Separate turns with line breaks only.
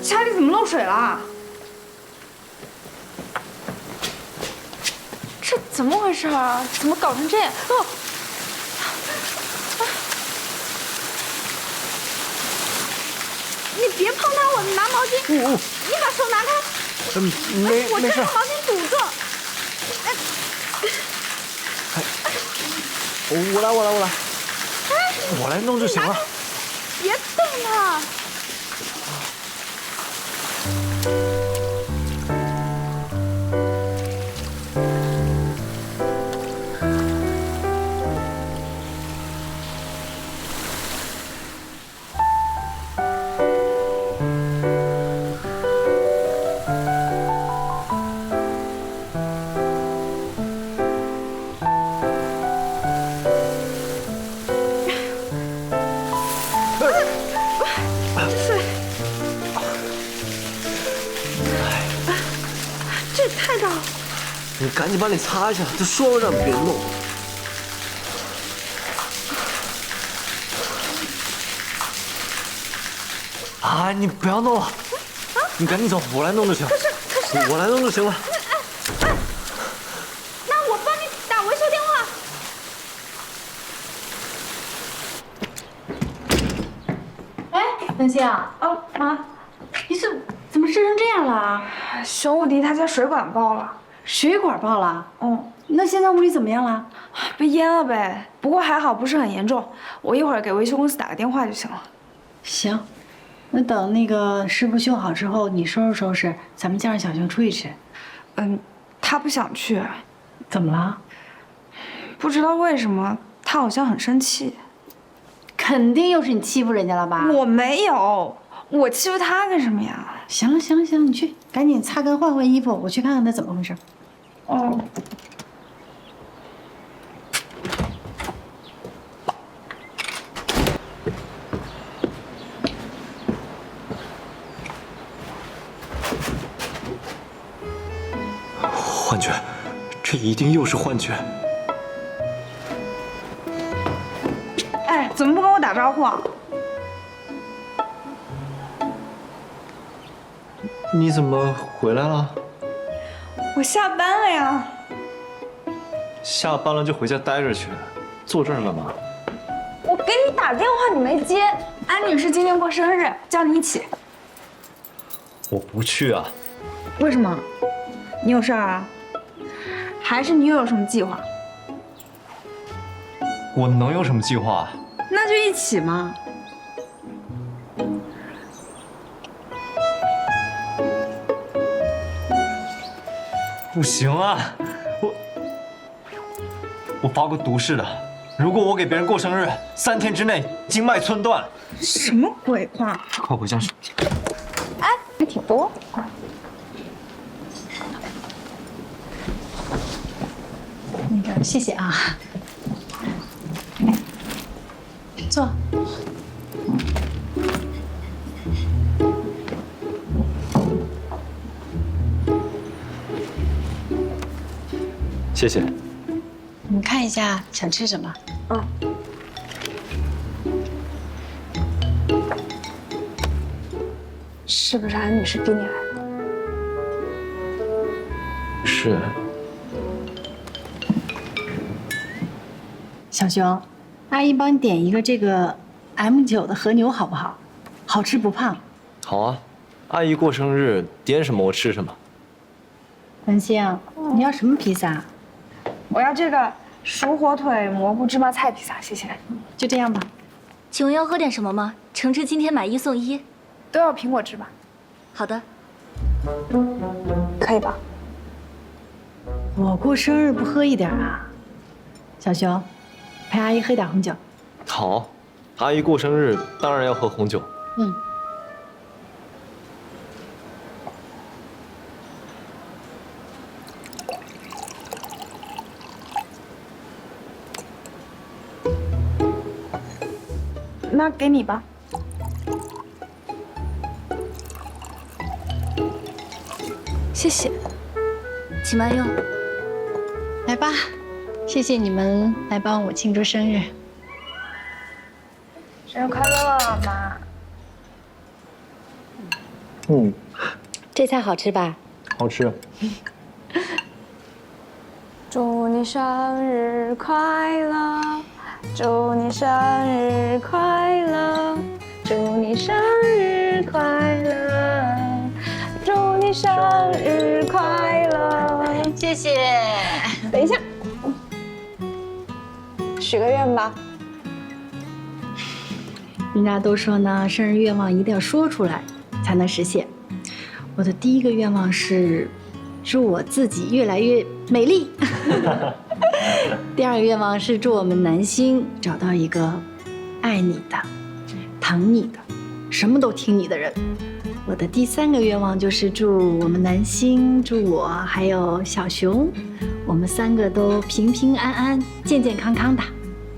家里怎么漏水了？这怎么回事啊？怎么搞成这样？哦！你别碰它，我拿毛巾。你把手拿开。我这用毛巾堵住。
我来弄就行了。
别动它。这也太大了！
你赶紧把脸擦一下，就说了让别弄。啊，你不要弄了，你赶紧走，我来弄就行。可是我来弄就行了。
那我帮你打维修电话。
哎，文馨啊，
妈，
你怎么湿成这样了啊？
熊武迪他家水管爆了。
水管爆了？那现在屋里怎么样了？
被淹了呗。不过还好，不是很严重。我一会儿给维修公司打个电话就行了。
行，那等那个师傅修好之后，你收拾收拾，咱们叫上小熊出去吃。
他不想去。
怎么了？
不知道为什么，他好像很生气。
肯定又是你欺负人家了吧？
我没有，我欺负他干什么呀？
行了行了行了，你去赶紧擦干换衣服，我去看看他怎么回事。
哦。
幻觉，这一定又是幻觉。
哎，怎么不跟我打招呼啊？
你怎么回来了？
我下班了呀。
下班了就回家待着去，坐这儿干嘛？
我给你打电话你没接。安女士今天过生日，叫你一起。
我不去啊。
为什么？你有事儿啊？还是你又有什么计划？
我能有什么计划？
那就一起嘛。
不行啊，我发过毒誓的，如果我给别人过生日，3天之内经脉寸断。
什么鬼话？
快回家去。
哎，还挺多。
那个，谢谢啊。坐。
谢谢。
你们看一下想吃什么？
是不是安女士逼你来的？
是。
小熊，阿姨帮你点一个这个 M9的和牛好不好？好吃不胖。
好啊，阿姨过生日点什么我吃什么。
文馨，你要什么披萨？
我要这个熟火腿蘑菇芝麻菜披萨，谢谢。
就这样吧。
请问要喝点什么吗？橙汁今天买1送1。
都要苹果汁吧？
好的。
可以吧？
我过生日不喝一点啊？小熊，陪阿姨喝点红酒。
好，阿姨过生日当然要喝红酒。
那给你吧。谢谢，
请慢用。
来吧，谢谢你们来帮我庆祝生日。
生日快乐，妈！
嗯，
这菜好吃吧？
好吃。
祝你生日快乐，祝你生日快乐，祝你生日快乐，祝你生日快乐。
谢谢。
等一下，许个愿吧。
人家都说呢，生日愿望一定要说出来才能实现。我的第一个愿望是，祝我自己越来越美丽。第二个愿望是祝我们南星找到一个爱你的、疼你的、什么都听你的人。我的第三个愿望就是祝我们南星、祝我还有小熊，我们3个都平平安安、健健康康的。